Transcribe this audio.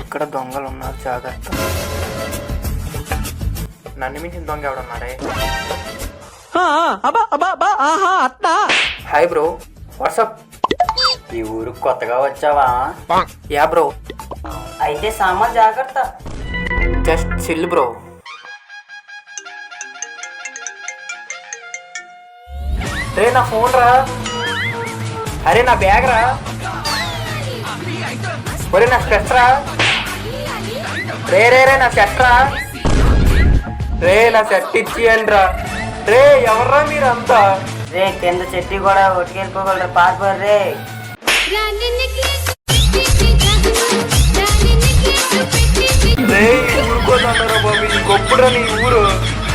ఇక్కడ దొంగలు ఉన్నారు, జాగ్రత్త. నన్ను మించిన దొంగ ఎవడున్నారే? Hi bro, WhatsApp. ఈ ఊరు కొత్తగా వచ్చావా? Yeah bro. అయితే సామాన్ జాగ్రత్త. Just chill bro. రే నా ఫోన్ రా, అరే నా బ్యాగ్ రా, ఒరే నా స్పెట్స్ రా, రే రే రే నా సెట్ రా, రే నా సెట్ ఇచ్చియండి రా. రే ఎవర్రా మీరంతా? రే కింద చెట్టు కూడా ఒట్టుకెళ్ళిపోగలరా, పారిపోరు రే. రే ఊరుకోదన్నారా బాబు, ఇది గొప్పరా నీ ఊరు.